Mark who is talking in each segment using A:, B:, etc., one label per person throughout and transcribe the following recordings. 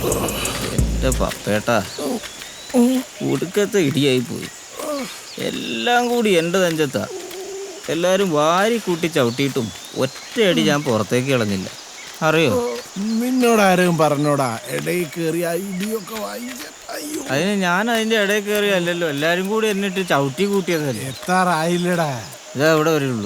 A: എൻ്റെ പപ്പേട്ടാ ഒടുക്കത്തെ ഇടിയായി പോയി. എല്ലാം കൂടി എൻ്റെ നെഞ്ചത്താ. എല്ലാവരും വാരി കൂട്ടി ചവിട്ടിയിട്ടും ഒറ്റയടി ഞാൻ പുറത്തേക്ക് കളഞ്ഞില്ല. അറിയോ?
B: നിന്നോടാരും പറഞ്ഞോടാ ഇടയിൽ കയറി ഇടിയൊക്കെ
A: അതിന് ഞാൻ അതിൻ്റെ ഇടയിൽ കയറിയല്ലോ, എല്ലാവരും കൂടി എന്നിട്ട് ചവിട്ടി കൂട്ടിയതല്ലേ.
B: എത്താറായില്ലടാ.
A: ഇതാ ഇവിടെ വരുള്ളൂ.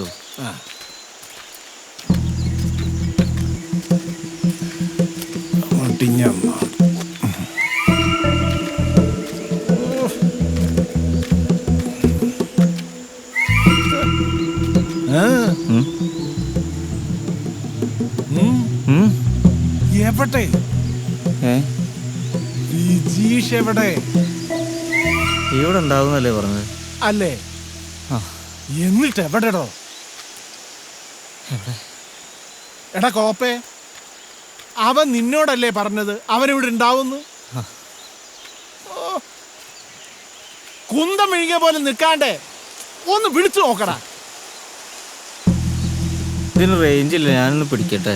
B: എവിടെ വിജീഷ്? എവിടെ?
A: ഇവിടെ ഉണ്ടാവുന്നല്ലേ പറഞ്ഞത്
B: അല്ലേ? എന്നിട്ട് എവിടെടോ? എടാ കോപ്പേ, അവൻ നിന്നോടല്ലേ പറഞ്ഞത് അവനിവിടെ ഉണ്ടാവുന്നു? കുന്തം വിഴുകിയ പോലെ നിൽക്കാണ്ടേ ഒന്ന് വിളിച്ചു നോക്കടാ.
A: ഇതിന് റേഞ്ച് ഇല്ല, ഞാനൊന്ന് പിടിക്കട്ടെ.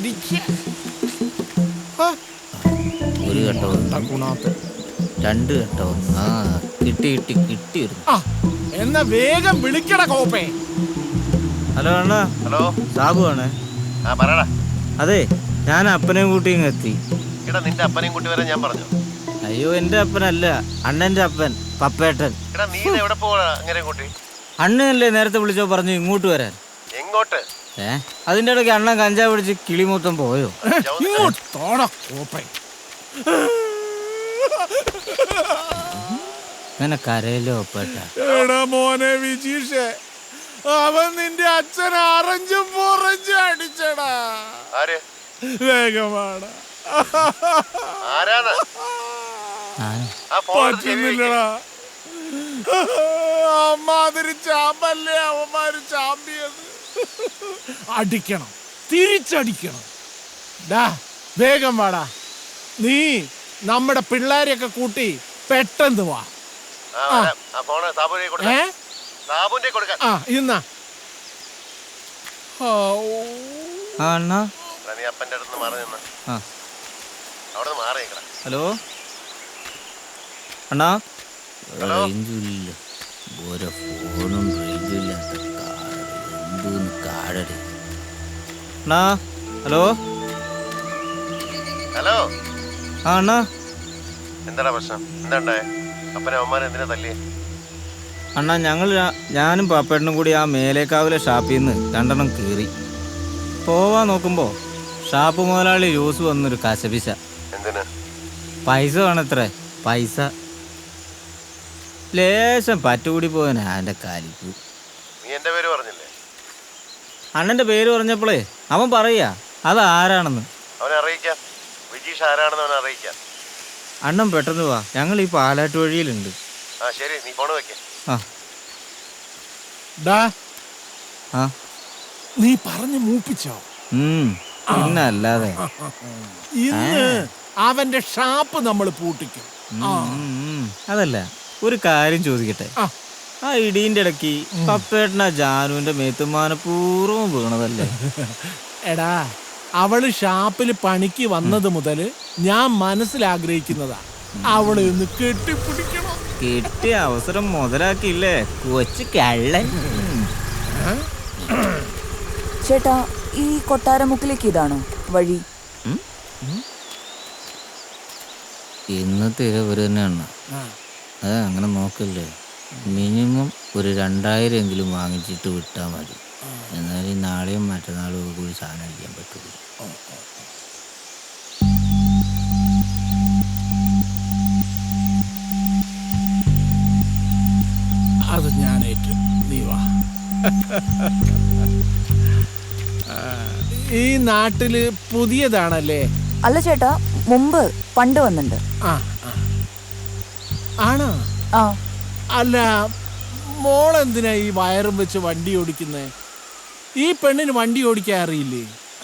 A: ഒരു ഘട്ടവും രണ്ട് ഘട്ടവും കിട്ടി.
B: എന്നാ വേഗം വിളിക്കട കോപ്പേ.
A: ഹലോ അണ്ണാ.
C: ഹലോ,
A: സാബു ആണേ. അതെ, ഞാൻ അപ്പനെയും കൂട്ടി ഇങ്ങ് എത്തി.
C: നിന്റെ അപ്പനെയും കൂട്ടി വരാൻ ഞാൻ പറഞ്ഞു.
A: അയ്യോ, എന്റെ അപ്പനല്ല, അണ്ണന്റെ അപ്പൻ പപ്പേട്ടൻ.
C: നീ എവിടെ പോവാ? അങ്ങനെ കൂട്ടി
A: അണ്ണനല്ലേ നേരത്തെ വിളിച്ചോ പറഞ്ഞു ഇങ്ങോട്ട് വരാൻ.
C: എങ്ങോട്ട്?
A: അതിന്റെ ഇടയ്ക്ക് അണ്ണൻ കഞ്ചാവ് പിടിച്ച് കിളി മൊത്തം പോയോ? അങ്ങനെ കരയിലോ പേട്ടാ.
B: മോനെ വിജീഷേ, അവൻ നിന്റെ അച്ഛൻ അറഞ്ചും പുറഞ്ചും അടിച്ചടാ. വേഗമാണ്. പറ്റുന്നില്ലടാ. അമ്മാതിരി ചാമ്പല്ലേ അവന്മാര് ചാമ്പിയത്. അടിക്കണം, തിരിച്ചടിക്കണം. ഡാ വേഗം വാടാ. നീ നമ്മുടെ പിള്ളേരെയൊക്കെ കൂട്ടി പെട്ടെന്ന് വാ. ഇന്നാ
A: ഹലോ അണ്ണാ. റേഞ്ചില്ല, ഓരോ ഫോണും റേഞ്ചില്ലാത്ത എന്തോന്ന് കാടടി. അണ്ണാ ഹലോ.
C: ഹലോ
A: ആ അണ്ണാ,
C: എന്താ പ്രശ്നം? എന്താ അപ്പനവന്മാരെന്തിനാ തല്ലി?
A: അണ്ണാ, ഞാനും പാപ്പേട്ടനും കൂടി ആ മേലേക്കാവിലെ ഷാപ്പിൽ നിന്ന് 2 എണ്ണം കീറി പോവാൻ നോക്കുമ്പോ ഷാപ്പ് മുതലാളി ജ്യൂസ് വന്നൊരു കശപിശ.
C: എന്തിന്?
A: പൈസ വേണത്രേ. പൈസ ലേശം പറ്റുകൂടി പോയനാ എൻ്റെ കാലിക്ക്.
C: നീ എന്റെ പേര് പറഞ്ഞില്ലേ?
A: അണ്ണന്റെ പേര് പറഞ്ഞപ്പോളേ അവൻ പറയാ അതാരാണെന്ന്.
C: അവനെ അറിയിക്കാം. വിജീഷ് ആരാണെന്ന് അവനെ അറിയിക്കാം.
A: അണ്ണൻ പെട്ടെന്ന് വാ, ഞങ്ങൾ ഈ പാലാട്ട് വഴിയിലുണ്ട്.
C: ശരി, നീ ഫോൺ വെക്കേ.
B: നീ പറഞ്ഞു മൂപ്പിച്ചോ?
A: പിന്നല്ലാതെ.
B: ഇന്ന് അവന്റെ ഷാപ്പ് നമ്മൾ പൂട്ടിക്കും.
A: അതല്ല, ഒരു കാര്യം ചോദിക്കട്ടെ. ആ ഇടീന്റെ ഇടയ്ക്ക് പപ്പേട്ടന ജാനുവിന്റെ മേത്തുമാനപൂർവ്വം വീണതല്ലേ?
B: എടാ, അവള് ഷാപ്പിൽ പണിക്ക് വന്നത് മുതൽ ഞാൻ മനസ്സിലാഗ്രഹിക്കുന്നതാ അവളെ ഒന്ന് കെട്ടിപ്പിടിക്കണം.
A: കിട്ടിയ അവസരം മുതലാക്കിയില്ലേ കൊച്ചു കള്ളൻ.
D: ചേട്ടാ, ഈ കൊട്ടാരമുക്കിലേക്ക് ഇതാണോ വഴി?
A: ഇന്നത്തെ ഇരവര് തന്നെയാണ്. അത് അങ്ങനെ നോക്കല്ലേ, മിനിമം ഒരു 2000 എങ്കിലും വാങ്ങിച്ചിട്ട് വിട്ടാൽ മതി. എന്നാലും നാളെയും മറ്റന്നാളും കൂടി സാധനം അടിക്കാൻ പറ്റുള്ളൂ.
B: അത് ഞാനേറ്റു. നീ വാ. ഈ നാട്ടില് പുതിയതാണല്ലേ?
D: അല്ല ചേട്ടാ, മുമ്പ് പണ്ട് വന്നിട്ടുണ്ട്.
B: ആണോ? അല്ല, മോളെന്തിനാ ഈ വയറും വെച്ച് വണ്ടി ഓടിക്കുന്നേ? ഈ പെണ്ണിന് വണ്ടി ഓടിക്കാൻ അറിയില്ലേ?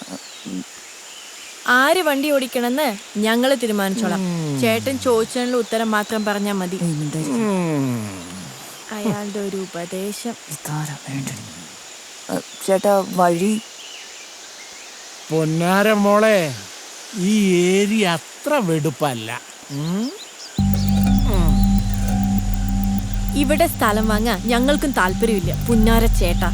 E: ആര് വണ്ടി ഓടിക്കണമെന്ന് ഞങ്ങള് തീരുമാനിച്ചോളാം. ചേട്ടൻ ചോദിച്ചതിനുള്ള ഉത്തരം മാത്രം പറഞ്ഞാൽ മതി. അയാളുടെ ഒരു ഉപദേശം.
D: ചേട്ടാ, വഴി.
B: പൊന്നാര മോളെ, ഈ ഏരിയ അത്ര വെടുപ്പല്ല.
E: ഇവിടെ സ്ഥലം വാങ്ങാൻ ഞങ്ങൾക്കും താല്പര്യമില്ല പുന്നാര ചേട്ടാ.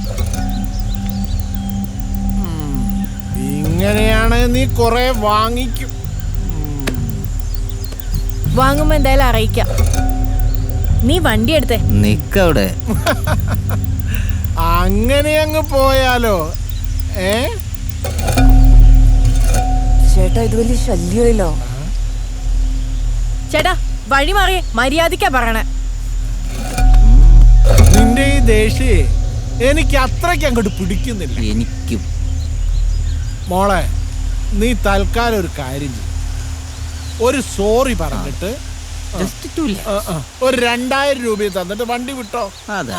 B: ഇങ്ങനെയാണ് നീ കൊറേ വാങ്ങിക്കും.
E: വാങ്ങുമ്പോ എന്തായാലും അറിയിക്കാം. നീ വണ്ടി എടുത്തേ.
A: നിക്കവിടെ.
B: അങ്ങനെ അങ്ങ് പോയാലോ?
D: ചേട്ടാ ഇത് വലിയ ശല്യമല്ലോ.
E: ചേട്ടാ വഴി മാറിയേ, മര്യാദക്കാ പറയണേ.
B: നിന്റെ ഈ ദേഷ്യ എനിക്ക് അത്രയ്ക്ക് അങ്ങോട്ട് പിടിക്കുന്നില്ല.
A: എനിക്കും.
B: മോളെ, നീ തൽക്കാലം ഒരു കാര്യം ചെയ്യും, ഒരു സോറി പറഞ്ഞിട്ട് ഒരു 2000 രൂപ തന്നിട്ട് വണ്ടി വിട്ടോ.
A: അതെ.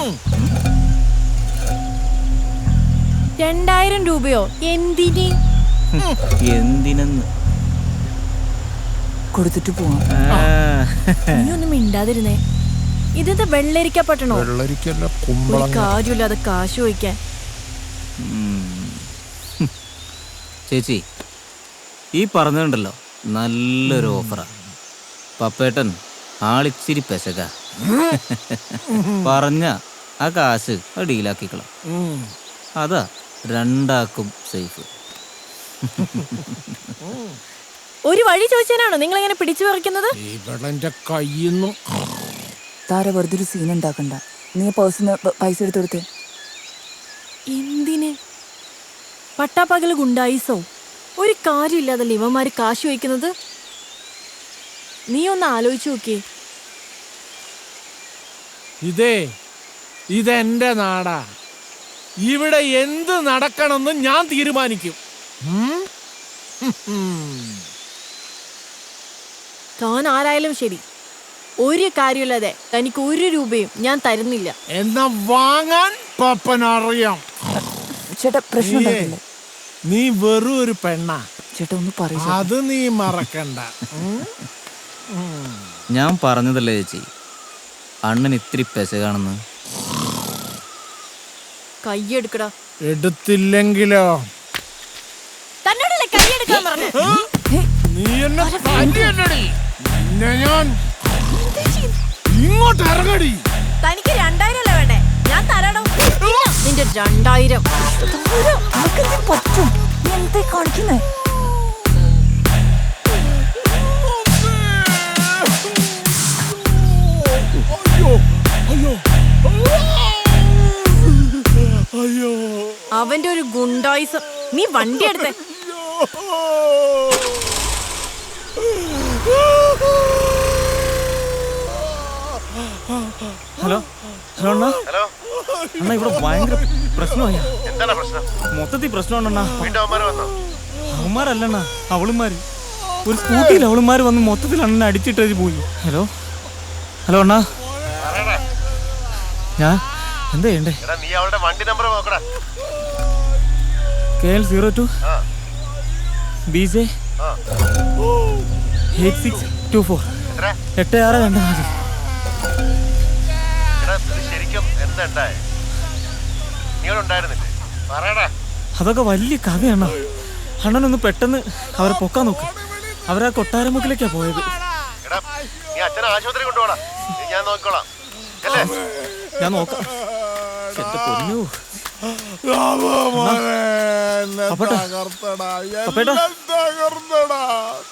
E: 2000 രൂപയോ? എന്തിന്?
A: എന്തിനെന്ന്
D: കൊടുത്തിട്ട് പോവാം.
E: നീ ഒന്നും മിണ്ടാതിരുന്നേ. ഇതെന്താ വെള്ളരിക്കപ്പെട്ടണോ? ഒരു കാര്യമില്ലാതെ കാശ് ചോദിക്കാൻ.
A: ചേച്ചി, ഈ പറഞ്ഞുണ്ടല്ലോ നല്ലൊരു ഓഫറാ. പപ്പേട്ടൻ ആളിച്ചിരി പെശക. പറഞ്ഞ ആ കാശ് ഡീലാക്കിക്കളാം. അതാ രണ്ടാക്കും സേഫ്.
E: ഒരു വഴി ചോദിച്ചാണോ നിങ്ങൾ ഇങ്ങനെ പിടിച്ചു പറിക്കുന്നത്?
B: ഇവളെന്റെ കയ്യിന്നു.
D: താര വെറുതെ ഒരു സീൻ ഉണ്ടാക്കണ്ട. നീ പേഴ്സിന് പൈസ എടുത്ത് കൊടുത്തേ.
E: എന്തിന്? പട്ടാപ്പകല് ഗുണ്ടായിസോ? ഒരു കാര്യമില്ലാതല്ലേ ഇവന്മാര് കാശ് വയ്ക്കുന്നത്? നീ ഒന്ന് ആലോചിച്ചു നോക്കിയേ.
B: ഇതെന്റെ നാടാ. ഇവിടെ എന്ത് നടക്കണമെന്ന് ഞാൻ തീരുമാനിക്കും.
E: താൻ ആരായാലും ശരി, ഒരു കാര്യമില്ലാതെ തനിക്ക് 1 രൂപയും ഞാൻ തരുന്നില്ല.
B: എന്നാ വാങ്ങാൻ പപ്പനറിയാം.
D: ചേട്ടാ പ്രശ്നം ഉണ്ടാക്കില്ലേ?
B: നീ വെറും ഒരു പെണ്ണാ.
D: ചേട്ടാ ഒന്ന് പറയൂ.
B: അത് നീ മറക്കണ്ട.
A: ഞാൻ പറഞ്ഞതല്ലേ ചേച്ചി, അണ്ണൻ ഇത്തിരി പെശകാണെന്ന്.
E: കയ്യെടുക്കടാ.
B: എടുത്തില്ലെങ്കിലോ?
E: തന്നോടല്ലേ കയ്യെടുക്കാൻ പറഞ്ഞു?
B: നീ എന്നെ തല്ലിയല്ലേടി? നിന്നെ ഞാൻ ഇങ്ങോട്ട് ഇറങ്ങടി.
E: തനിക്ക് 2000 അല്ലേ വേണ്ടേ? ഞാൻ തരാടോ. നിന്റെ 2000.
D: പറ്റും. നീ എന്താ കാണിക്കുന്നേ?
E: അവന്റെ ഒരു ഗുണ്ടായിസം. നീ വണ്ടി എടുത്തേ.
A: ഹലോ ഹലോ അണ്ണാ.
C: ഹലോ,
A: അണ്ണാ ഇവിടെ ഭയങ്കര പ്രശ്നമായ.
C: എന്താണ് പ്രശ്നം?
A: മൊത്തത്തിൽ പ്രശ്നമാണണ്ണാ.
C: വീണ്ടും അവന്മാര് വന്നോ?
A: അവന്മാരല്ലണ്ണാ, അവളുമാര്. ഒരു സ്കൂട്ടിയിൽ അവളുമാര് വന്ന് മൊത്തത്തിൽ അണ്ണനെ അടിച്ചിട്ടേച്ച് പോയി. ഹലോ ഹലോ അണ്ണാ.
C: പറയടാ.
A: ഞാൻ എന്താ ചെയ്യണ്ടേ?
C: എടാ, നീ അവളുടെ വണ്ടി നമ്പർ നോക്കടാ.
A: KL02
C: ആ,
A: BJ
C: ആ.
A: 8624
C: എത്ര?
A: 8624.
C: എടാ, ഇത് ശരിക്കും എന്താ ഉണ്ടായേ? നീ അവിടെ ഉണ്ടായിരുന്നില്ലേ? പറയടാ.
A: അതൊക്കെ വലിയ കഥയാണ്. അണ്ണനൊന്ന് പെട്ടെന്ന് അവരെ പൊക്കാൻ നോക്ക്. അവരാ കൊട്ടാരമുക്കിലേക്കാ പോയത്.
C: എടാ, നീ അച്ഛനെ ആശുപത്രി കൊണ്ടുപോടാ. ഞാൻ നോക്കിക്കോളാം. അല്ലേ?
A: ഞാൻ നോക്കാം. എന്റെ പൊന്നു.
B: തകർത്തടാ.
A: പപ്പേട്ടാ.
B: തകർത്തടാ.